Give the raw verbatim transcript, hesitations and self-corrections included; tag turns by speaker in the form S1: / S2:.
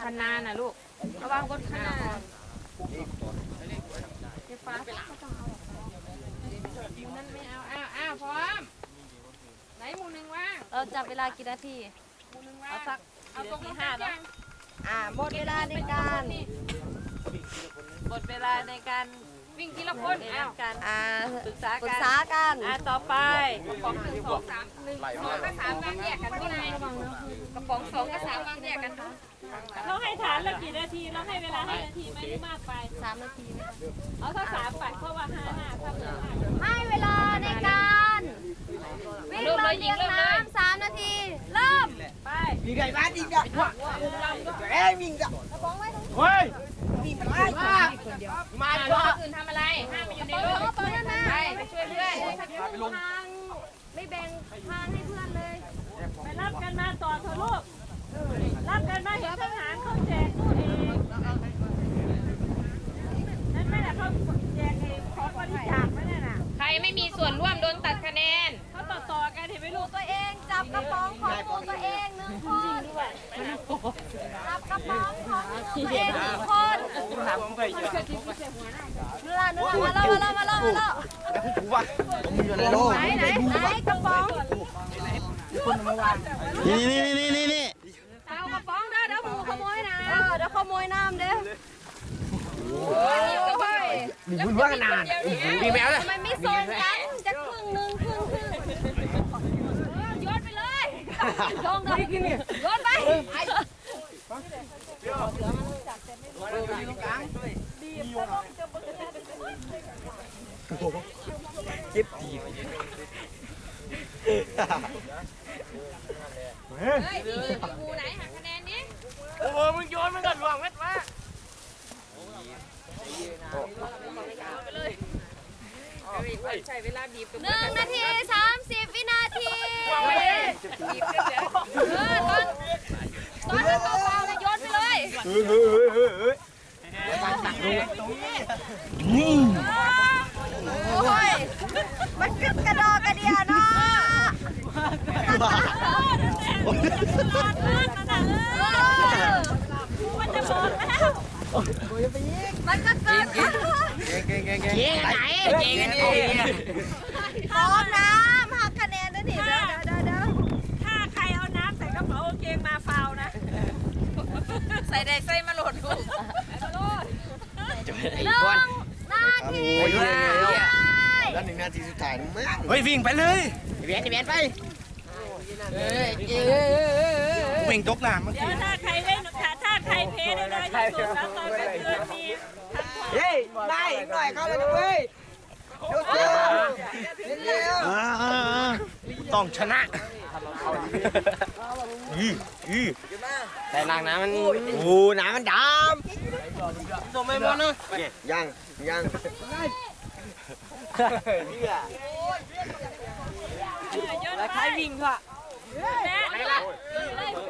S1: คันนาน่ะลูกระวังบนคันนาไฟฟ้าไปละนั่นไม่เอาอ้าวอ้าวพร้อมไหนหมูหนึ่งว่าง
S2: เราจับเวลากี่นาที
S1: หมูหนึ่งว่าง
S2: เอาสัก
S1: เอาตรงที่ห้าแล้ว
S2: อ่าหมดเวลาในการหมดเวลาในการ
S1: วิ่งทีละคนอ้าว
S2: กันอ่าปรึกษา
S1: ปรึ
S2: กั
S1: กษากัน
S2: อ่าต่อไป
S1: กระป๋องหนึ่งสองสามหนึ่งสองกับสามวางแยกกันที่ไหนกระป๋องสองกับสามวางแยกกัน
S3: เราให้ฐานละกี่นาทีเราให้เวลาให้นาทีไหมหรือมากไป
S2: สามนาที
S3: เอาถ้าสามไปเพราะว่าห้าห้าถ้าเพิ่มห้า
S2: ให้เวลาในการวิ่งลงเรียงน้ำสามนาทีเริ่ม
S3: ไป
S4: วิ่งไงบ้านวิ่งอ่ะเอ้ยวิ่งอ่ะเฮ้ยวิ่งไป
S1: มาตัวอื่นทำอะไรห้ามไปอยู่ในรถไปไปช่วยเพื่อน
S2: ทางไม่แบ่งทางให้เพื่อนเลย
S3: ไปรับกันมาต่อเถอะลูกรับกันมาเห็นทหารเขาแจกตู้เองนั่นไม่แหละเขาแจกเองของบริจาคไม่ได้น่ะ
S1: ใครไม่มีส่วนร่วมโดนตัดคะแนน
S3: เขาต่อต่อกันเห็นไหมลูก
S2: ตัวเองจับกระป๋องของตัวเองหนึ่งคนจับกระป๋องของตัวเองหนึ่งคนนู่นล่ะนู่นล่ะมาแล้วมาแล้วมาแล้วมาแล้วไหนไหนไหนกระป๋อง
S4: นี่นี่นี่นี่นี่
S2: เอากระป๋องเด้อเดี๋ยวหมูขโมยน้ำเออเดี๋ยวขโมยน้ำเด้อ
S4: มีบุญว่านานมีแมวเลย
S2: ทำไมไม่ส่งกันจะครึ่งหนึ่งครึ่งครึ่งโยนไปเลยลงเลยโยนไป
S4: เจ็บที
S1: เฮ้ยดีกูไหนหักคะแนนนี้
S4: โอ้โหมึงโยนมันก็หลวงเม็ดมา
S1: ไปเลยใช้เวลาบีบ
S2: หนึ่งนาทีสามสิบวินาที
S1: บีบเดี๋ยวเออตอนตอนนั้นเบาๆเลยโยนไปเลย
S4: เฮ้ยเฮ้ยเฮ้ยเฮ้ยนี่
S2: โอ้ยมันกึศกระดอกกระเดียเนาะ
S3: มันจะหมดแล้ว
S2: มันก็เกิดขึ้น
S4: เก่งเก่งเก่งเก่งไหนเก่งกันนี่
S2: พร้อมน้ำหักคะแนนด้วยนี่เดี๋ยวเดี๋ยวเดี๋ยว
S3: ถ้าใครเอาน้ำใส่กระเป๋ากางเกงมาฟาวนะ
S1: ใส่ได้ใส่มาโหลดกู
S2: หนึ่งนาที
S4: แล้วหนึ่งนาทีสุดท้ายมึงเฮ้ยวิ่งไปเลยเวียนเวียนไปวิ่งตกน้ำเมื่อ
S3: เดี๋ย
S4: กี้
S3: วถ้าใครเล่นถ้าใครเพได้เลยที่สุดแล้วตอนกลางคืนมี
S4: เฮ้ยได้หน่อยเข้าเลยเว้ยเร็วต้องชนะอืออือแต่นางน้ำมันโอ้น้ำมันดำส่งไม่หมดนะยังยัง
S3: แล้วใครวิ่งค่ะแม่